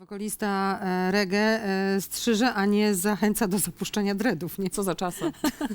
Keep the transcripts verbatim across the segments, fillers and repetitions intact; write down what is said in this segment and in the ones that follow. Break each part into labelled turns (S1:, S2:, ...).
S1: Wokalista e, reggae e, strzyże, a nie zachęca do zapuszczenia dreadów. Nie?
S2: Co za czasy.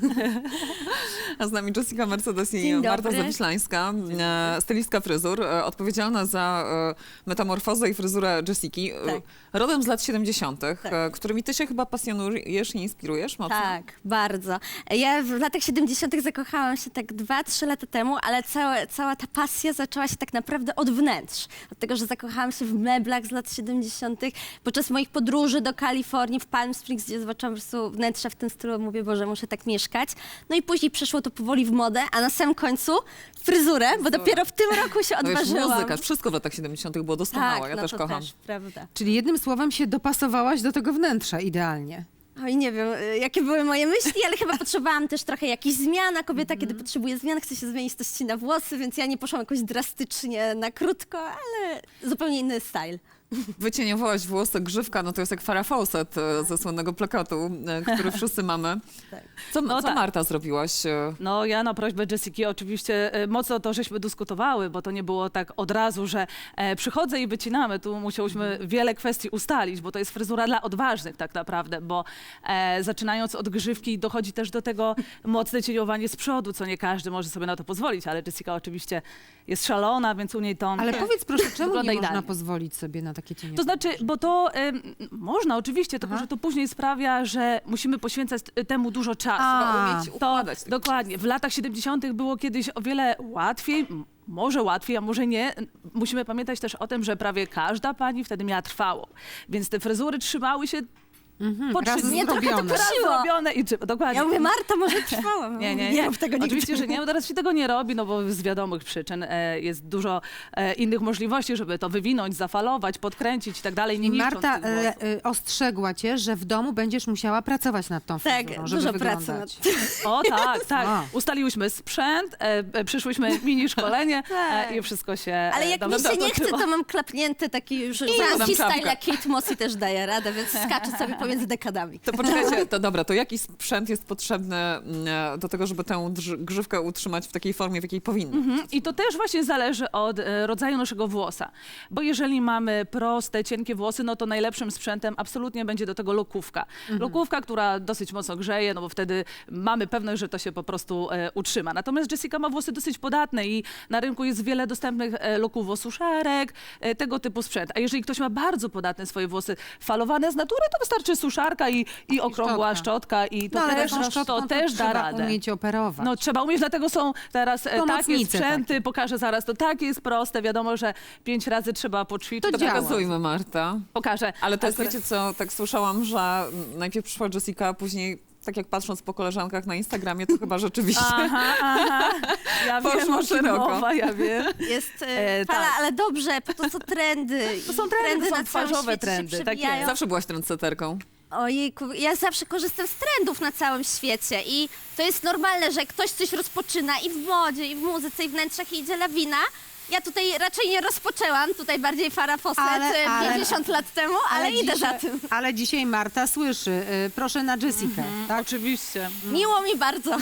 S2: A z nami Jessica Mercedes i
S3: Dzień
S2: Marta
S3: dobry.
S2: Zawiślańska, e, stylistka fryzur, e, odpowiedzialna za e, metamorfozę i fryzurę Jessiki. E,
S3: Tak.
S2: Rodem z lat siedemdziesiątych,
S3: Tak.
S2: e, którymi ty się chyba pasjonujesz i inspirujesz mocno.
S3: Tak, bardzo. Ja w latach siedemdziesiątych zakochałam się tak dwa, trzy lata temu, ale całe, cała ta pasja zaczęła się tak naprawdę od wnętrz. Od tego, że zakochałam się w meblach z lat siedemdziesiątych. Podczas moich podróży do Kalifornii, w Palm Springs, gdzie zobaczyłam po prostu wnętrza w tym stylu, mówię, Boże, muszę tak mieszkać. No i później przeszło to powoli w modę, a na samym końcu fryzurę, bo dopiero w tym roku się
S2: No wiesz,
S3: odważyłam.
S2: muzyka, wszystko w latach siedemdziesiątych było doskonałe,
S3: tak,
S2: ja
S3: no
S2: też
S3: to
S2: kocham.
S3: też, prawda.
S1: Czyli jednym słowem się dopasowałaś do tego wnętrza idealnie.
S3: Oj, nie wiem, y, jakie były moje myśli, ale chyba potrzebowałam też trochę jakichś zmian, a kobieta, kiedy potrzebuje zmian, chce się zmienić, to ścina włosy, więc ja nie poszłam jakoś drastycznie na krótko, ale zupełnie inny style.
S2: Wycieniowałaś włosy, grzywka, no to jest jak Farrah Fawcett e, ze słynnego plakatu, e, który wszyscy mamy.
S3: Tak.
S2: Co,
S4: No
S2: co
S4: tak.
S2: Marta zrobiłaś? e?
S4: No ja na prośbę Jessiki oczywiście e, mocno to żeśmy dyskutowały, bo to nie było tak od razu, że e, przychodzę i wycinamy. Tu musiałyśmy wiele kwestii ustalić, bo to jest fryzura dla odważnych tak naprawdę, bo e, zaczynając od grzywki dochodzi też do tego mocne cieniowanie z przodu, co nie każdy może sobie na to pozwolić, ale Jessica oczywiście jest szalona, więc u niej to...
S1: Ale powiedz proszę, czemu
S4: Wygląda
S1: nie można
S4: idealnie.
S1: pozwolić sobie na takie cienie?
S4: To znaczy, bo to em, można oczywiście, tylko
S1: Aha.
S4: że to później sprawia, że musimy poświęcać y, temu dużo czasu.
S1: A,
S2: umieć
S4: To
S2: układać te
S4: dokładnie. W latach siedemdziesiątych było kiedyś o wiele łatwiej, m- może łatwiej, a może nie. Musimy pamiętać też o tym, że prawie każda pani wtedy miała trwało. Więc te fryzury trzymały się
S1: Mhm,
S4: po
S1: raz
S4: trzy dni.
S3: Mnie trochę to
S1: zrobione.
S4: Raz
S3: kusiło.
S4: zrobione i czy, dokładnie.
S3: Ja mówię, Marta, może trwałam.
S4: Nie, nie,
S3: nie
S4: nie.
S3: rób tego nigdy.
S4: Oczywiście, że nie, bo teraz się tego nie robi, no bo z wiadomych przyczyn e, jest dużo e, innych możliwości, żeby to wywinąć, zafalować, podkręcić i tak dalej, nie
S1: I
S4: niszcząc
S1: Marta
S4: tych włosów.
S1: e, e, ostrzegła cię, że w domu będziesz musiała pracować nad tą
S3: Tak,
S1: fryzurą, żeby
S3: dużo pracy
S1: wyglądać.
S4: O tak, tak.
S1: A.
S4: Ustaliłyśmy sprzęt, e, e, przyszłyśmy mini szkolenie
S3: Tak.
S4: e, i wszystko się
S3: Ale
S4: e,
S3: jak
S4: dobrze
S3: mi się nie chce,
S4: dotoczyło.
S3: to mam klapnięty taki już
S2: podam
S3: franski
S2: czapkę.
S3: style, jak Kate Moss i też daje radę, więc skaczę sobie pomiędzy dekadami.
S2: To poczekajcie, to dobra, to jaki sprzęt jest potrzebny mm, do tego, żeby tę drż- grzywkę utrzymać w takiej formie, w jakiej powinna?
S4: Mhm. I to też właśnie zależy od e, rodzaju naszego włosa. Bo jeżeli mamy proste, cienkie włosy, no to najlepszym sprzętem absolutnie będzie do tego lokówka. Lokówka, która dosyć mocno grzeje, no bo wtedy mamy pewność, że to się po prostu e, utrzyma. Natomiast Jessica ma włosy dosyć podatne i na rynku jest wiele dostępnych e, lokuwo-suszarek, e, tego typu sprzęt. A jeżeli ktoś ma bardzo podatne swoje włosy falowane z natury, to wystarczy suszarka i, i okrągła
S1: szczotka.
S4: szczotka i to
S1: No ale
S4: też,
S1: taką szczotką
S4: to też da
S1: trzeba
S4: radę.
S1: umieć operować.
S4: No trzeba umieć, dlatego są teraz e, takie
S1: Pomocnice
S4: sprzęty,
S1: takie.
S4: pokażę zaraz, to takie jest proste, wiadomo, że pięć razy trzeba poćwiczyć.
S1: To
S2: To
S1: działa.
S2: pokazujmy, Marta.
S4: Pokażę.
S2: Ale to jest,
S4: Akurat-
S2: wiecie co, tak słyszałam, że najpierw przyszła Jessica, a później, tak jak patrząc po koleżankach na Instagramie, to chyba rzeczywiście...
S4: Aha, aha. Ja
S2: Poszło
S4: wiem, o kim
S2: szeroko.
S4: mowa, ja wiem.
S3: Jest
S4: E,
S3: e, fala,
S4: tak.
S3: ale dobrze, po to co trendy.
S4: To są trendy, to są
S3: na całym
S4: twarzowe
S3: świecie się
S4: trendy, tak
S3: przewijają.
S4: jest.
S2: Zawsze byłaś trendseterką.
S3: Ojejku, ja zawsze korzystam z trendów na całym świecie i to jest normalne, że ktoś coś rozpoczyna i w modzie, i w muzyce, i w wnętrzach i idzie lawina. Ja tutaj raczej nie rozpoczęłam, tutaj bardziej Farrah Fawcett
S1: Ale-
S3: e,
S1: ale-
S3: pięćdziesiąt lat temu, ale, idę
S1: dzisiaj,
S3: za tym.
S1: Ale dzisiaj Marta słyszy. Y, proszę na Jessikę. Tak?
S4: Oczywiście.
S3: Miło mi bardzo.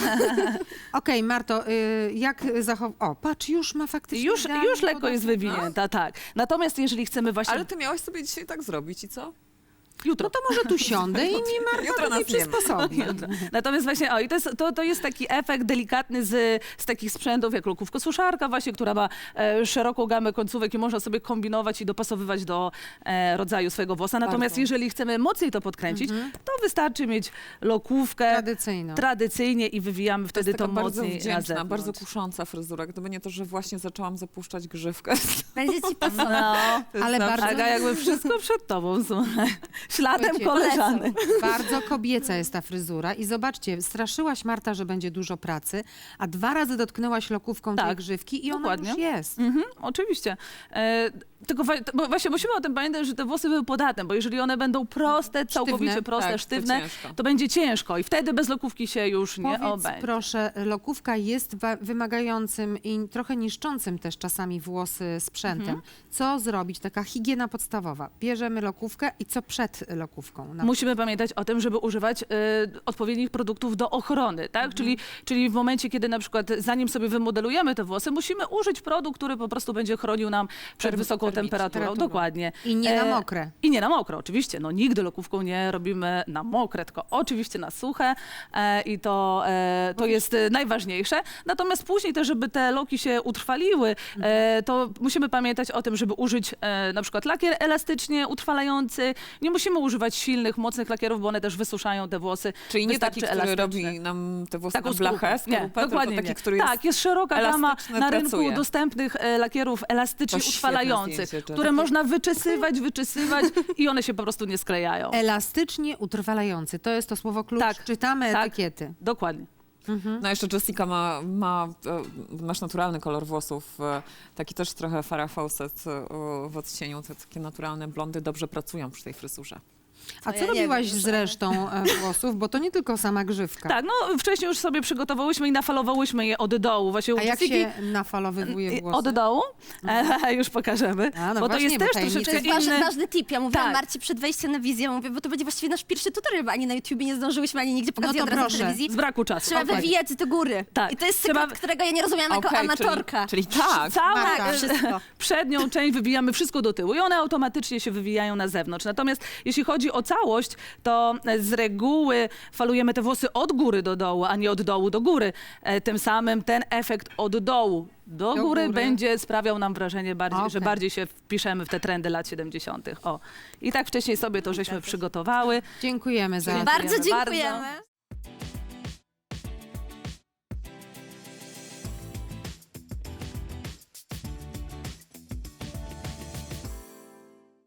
S1: Okej, Marto, y, jak zachow... O, patrz, już ma faktycznie
S4: Już,
S1: idealnie
S4: już lekko
S1: podatne-
S4: jest wywinięta, tak. Natomiast jeżeli chcemy właśnie...
S2: Ale ty miałaś sobie dzisiaj tak zrobić i co?
S4: jutro.
S1: No to może tu siądę i mi
S2: Jutro
S1: Marta
S2: nas
S1: tutaj
S2: nie ma.
S1: przysposobi.
S4: Natomiast właśnie, o, i to jest, to, to jest taki efekt delikatny z, z takich sprzętów, jak lokówko-suszarka właśnie, która ma e, szeroką gamę końcówek i można sobie kombinować i dopasowywać do e, rodzaju swojego włosa. Natomiast
S1: Bardzo.
S4: jeżeli chcemy mocniej to podkręcić, to wystarczy mieć lokówkę
S1: Tradycyjną.
S4: tradycyjnie i wywijamy
S2: To
S4: wtedy
S2: jest
S4: to,
S2: taka bardzo
S4: mocniej na
S2: wdzięczna,
S4: zewnątrz.
S2: bardzo kusząca fryzura. Gdyby nie to, że właśnie zaczęłam zapuszczać grzywkę.
S3: Będzie ci pasować.
S4: No,
S2: To jest
S1: Ale
S2: zawsze-
S1: bardzo-
S4: Aga, jakby wszystko przed tobą, słuchaj. Śladem
S1: Słuchajcie,
S4: koleżanek.
S1: Bardzo kobieca jest ta fryzura i zobaczcie, straszyłaś Marta, że będzie dużo pracy, a dwa razy dotknęłaś lokówką tej
S4: Tak,
S1: grzywki i ona
S4: dokładnie.
S1: już jest.
S4: Mhm, oczywiście. E, tylko wa- to- bo właśnie musimy o tym pamiętać, że te włosy były podatne, bo jeżeli one będą proste, całkowicie
S1: Sztywne.
S4: proste,
S2: Tak, to
S4: sztywne,
S2: ciężko.
S4: to będzie ciężko i wtedy bez lokówki się już nie
S1: Powiedz
S4: obędzie.
S1: proszę, lokówka jest wa- wymagającym i trochę niszczącym też czasami włosy sprzętem.
S4: Mhm.
S1: Co zrobić? Taka higiena podstawowa. Bierzemy lokówkę i co przed lokówką? Na
S4: Musimy pamiętać o tym, żeby używać y, odpowiednich produktów do ochrony, tak? Czyli, czyli w momencie, kiedy na przykład zanim sobie wymodelujemy te włosy, musimy użyć produkt, który po prostu będzie chronił nam przed wysoką
S2: termić.
S4: temperaturą.
S1: Temperaturą.
S4: Dokładnie.
S1: I nie na
S4: E,
S1: mokre.
S4: I nie na mokro, oczywiście. No, nigdy lokówką nie robimy na mokre, tylko oczywiście na suche e, i to, e, to jest e, najważniejsze. Natomiast później też, żeby te loki się utrwaliły, e, to musimy pamiętać o tym, żeby użyć e, na przykład lakier elastycznie utrwalający. Nie musimy używać silnych, mocnych lakierów, bo one też wysuszają te włosy.
S2: Czyli nie
S4: Wystarczy
S2: taki, który
S4: elastyczny.
S2: robi nam te włosy
S4: Taką
S2: na blachę,
S4: skorupę. Nie,
S2: skorupę, tylko
S4: dokładnie
S2: taki,
S4: nie.
S2: który jest
S4: Tak, jest szeroka gama
S2: elastyczny,
S4: na rynku
S2: pracuje.
S4: dostępnych e, lakierów elastycznie
S2: To świetne
S4: utrwalających,
S2: zdjęcie, to
S4: które
S2: takie-
S4: można wyczesywać, wyczesywać i one się po prostu nie sklejają.
S1: Elastycznie utrwalający. To jest to słowo klucz.
S4: Tak,
S1: Czytamy
S4: tak.
S1: etykiety.
S4: Dokładnie.
S2: No jeszcze Jessica ma, ma, e, masz naturalny kolor włosów, e, taki też trochę Farrah Fawcett e, w odcieniu, te takie naturalne blondy dobrze pracują przy tej fryzurze.
S1: A
S3: To
S1: co
S3: ja nie
S1: robiłaś
S3: wiem,
S1: z resztą e, włosów? Bo to nie tylko sama grzywka.
S4: Tak, no wcześniej już sobie przygotowałyśmy i nafalowałyśmy je od dołu. Właśnie u
S1: A jak
S4: Jessiki-
S1: się nafalowywuje włosy?
S4: Od dołu? E, już pokażemy.
S1: A, no
S4: bo to
S1: właśnie,
S4: jest
S1: bo
S4: też
S1: tajemnica
S3: To
S4: troszeczkę
S3: jest
S4: inny...
S3: ważny, ważny tip. Ja mówiłam
S4: Tak.
S3: Marci przed wejściem na wizję, mówię, bo to będzie właściwie nasz pierwszy tutorial, bo ani na YouTubie nie zdążyłyśmy, ani nigdzie pokazać
S1: to
S3: od razu
S1: proszę.
S3: w telewizji.
S4: Z braku czasu.
S3: Trzeba
S4: Okej.
S3: wywijać do góry.
S4: Tak.
S3: I to jest
S4: Trzeba-
S3: sekret, którego ja nie rozumiałam jako
S2: Okej,
S3: amatorka.
S2: Czyli, czyli tak.
S4: Całą
S1: Marta.
S3: Tak, wszystko.
S4: przednią część wywijamy wszystko do tyłu i one automatycznie się wywijają na zewnątrz. Natomiast jeśli chodzi o całość, to z reguły falujemy te włosy od góry do dołu, a nie od dołu do góry. E, Tym samym ten efekt od dołu do,
S1: Do
S4: góry,
S1: góry.
S4: będzie sprawiał nam wrażenie, bardziej, że
S1: Okej.
S4: bardziej się wpiszemy w te trendy lat siedemdziesiątych. O. I tak wcześniej sobie to żeśmy przygotowały.
S1: Dziękujemy za
S3: Bardzo
S4: Dziękujemy bardzo.
S3: dziękujemy.